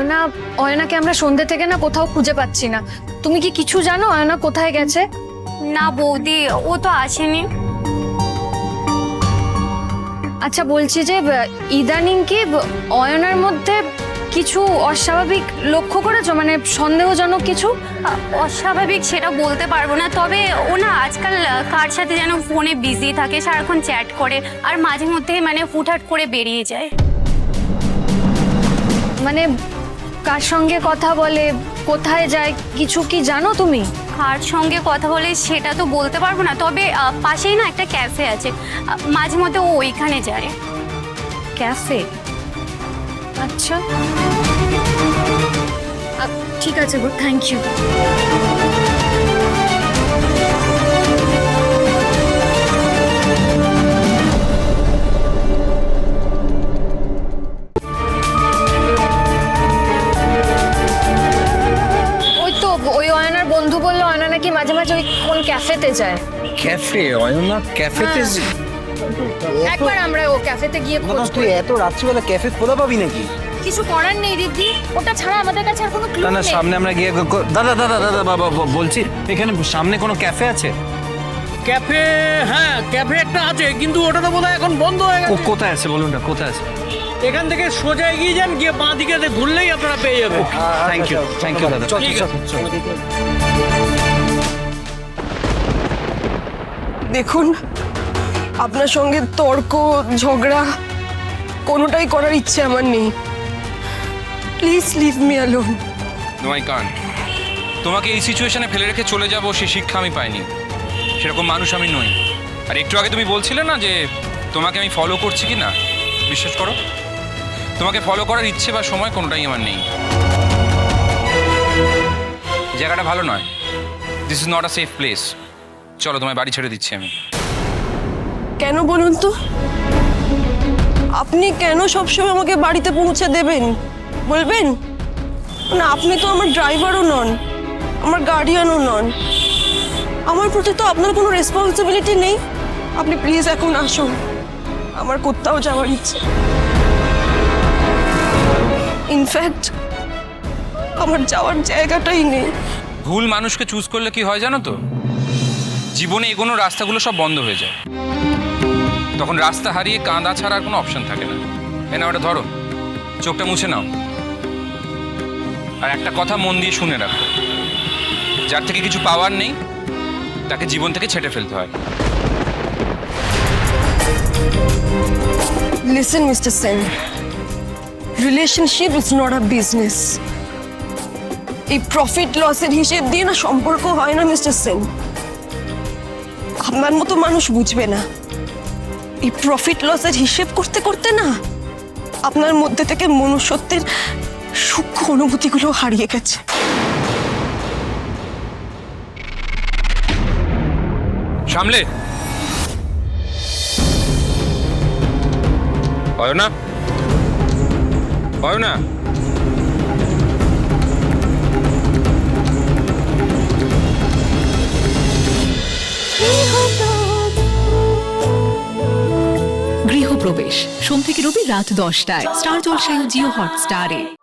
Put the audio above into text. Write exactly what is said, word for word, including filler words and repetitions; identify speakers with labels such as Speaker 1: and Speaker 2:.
Speaker 1: অয়না অয়নাকে আমরা সন্ধ্যে থেকে না কোথাও খুঁজে পাচ্ছি না। তুমি কি কিছু জানো অয়না কোথায় গেছে?
Speaker 2: না বৌদি, ও তো আসেনি।
Speaker 1: আচ্ছা বলছি যে ইদানিং কি অয়নার মধ্যে কিছু অস্বাভাবিক লক্ষ্য করেছো, মানে সন্দেহজনক কিছু?
Speaker 2: অস্বাভাবিক সেটা বলতে পারবো না, তবে ও না আজকাল কার সাথে যেন ফোনে বিজি থাকে, সারাক্ষণ চ্যাট করে আর মাঝে মধ্যে মানে হুটহাট করে বেরিয়ে যায়।
Speaker 1: মানে কার সঙ্গে কথা বলে, কোথায় যায়, কিছু কি জানো তুমি?
Speaker 2: কার সঙ্গে কথা বলে সেটা তো বলতে পারবো না, তবে পাশেই না একটা ক্যাফে আছে, মাঝে মধ্যে ও ওইখানে যায়।
Speaker 1: ক্যাফে? আচ্ছা ঠিক আছে গো, থ্যাংক ইউ। ওই তো ওই অয়নার বন্ধু বললো অয়না নাকি মাঝে মাঝে ওই কোন ক্যাফেতে যায়।
Speaker 3: ক্যাফে? অয়না ক্যাফেতে?
Speaker 1: একবার আমরা ও ক্যাফেতে গিয়ে খোঁজ
Speaker 3: তুই
Speaker 1: করি।
Speaker 3: এত রাত্রিবেলা ক্যাফে খোলা পাবি নাকি?
Speaker 1: কিছু করার নেই রিদ্ধি, ওটা ছাড়া আমাদের কাছে আর কোনো ক্লু
Speaker 3: না না,
Speaker 1: নেই।
Speaker 3: সামনে আমরা গিয়ে গ- দাদা দাদা দাদা বাবা ব- বলছি এখানে সামনে কোনো ক্যাফে আছে?
Speaker 4: ক্যাফে? হ্যাঁ, ক্যাফে একটা আছে, কিন্তু ওটা তো বোধহয় এখন বন্ধ হয়ে
Speaker 3: ও
Speaker 4: গেছে।
Speaker 3: কোথায় আছে বলুন না, কোথায় আছে?
Speaker 4: এখান থেকে সোজা এগিয়ে যান, গিয়ে বাঁ দিকে ঘুরলেই আপনারা পেয়ে যাবেন।
Speaker 3: থ্যাংক ইউ থ্যাংক ইউ দাদা।
Speaker 4: ঠিক আছে।
Speaker 5: দেখুন, আপনার সঙ্গে তর্ক ঝগড়া কোনোটাই করার ইচ্ছে আমার নেই। Please leave me alone.
Speaker 6: No I can't. তোমাকে এই সিচুয়েশনে ফেলে রেখে চলে যাব সে শিক্ষা আমি পাইনি, সেরকম মানুষ আমি নই। আর একটু আগে তুমি বলছিলে না যে তোমাকে আমি ফলো করছি কি না, বিশ্বাস করো তোমাকে ফলো করার ইচ্ছে বা সময় কোনোটাই আমার নেই। জায়গাটা ভালো নয়, this is not a safe place. চলো তোমায় বাড়ি ছেড়ে দিচ্ছি আমি।
Speaker 5: কেন বলুন তো? আপনি কেন সবসময় আমাকে বাড়িতে পৌঁছে দেবেন বলবেন না? আপনি তো আমার ড্রাইভারও নন, আমার গার্ডিয়ানও নন, আমার প্রতি তো আপনার কোনো রেসপন্সিবিলিটি নেই। আপনি প্লিজ এখন আসুন, আমার কোথাও যাওয়ার ইচ্ছে। ইনফ্যাক্ট আমার যাওয়ার জায়গাটাই নেই।
Speaker 6: ভুল মানুষকে চুজ করলে কি হয় জানো তো, জীবনে এগোনো রাস্তাগুলো সব বন্ধ হয়ে যায়। তখন রাস্তা হারিয়ে কাঁদা ছাড়া আর কোনো অপশন থাকে না। এ না, ওটা ধরো, চোখটা মুছে নাও। আর একটা কথা মন দিয়ে শুনে রাখো, যার থেকে কিছু পাওয়ার নেই তাকে জীবন থেকে ছেটে ফেলতে হয়।
Speaker 5: Listen, mister Sen, relationship is not a business. এই প্রফিট লসের হিসেব দিয়ে না সম্পর্ক হয় না মিস্টার সেন। আপনার মতো মানুষ বুঝবে না। এই প্রফিট লসের হিসেব করতে করতে না আপনার মধ্যে থেকে মনুষ্যত্বের সূক্ষ্ম অনুভূতিগুলো হারিয়ে গেছে।
Speaker 6: সামলে অয়না, অয়না।
Speaker 7: গৃহপ্রবেশ সোম থেকে রবি রাত দশটায় স্টার জলসায় ও জিও হটস্টারে।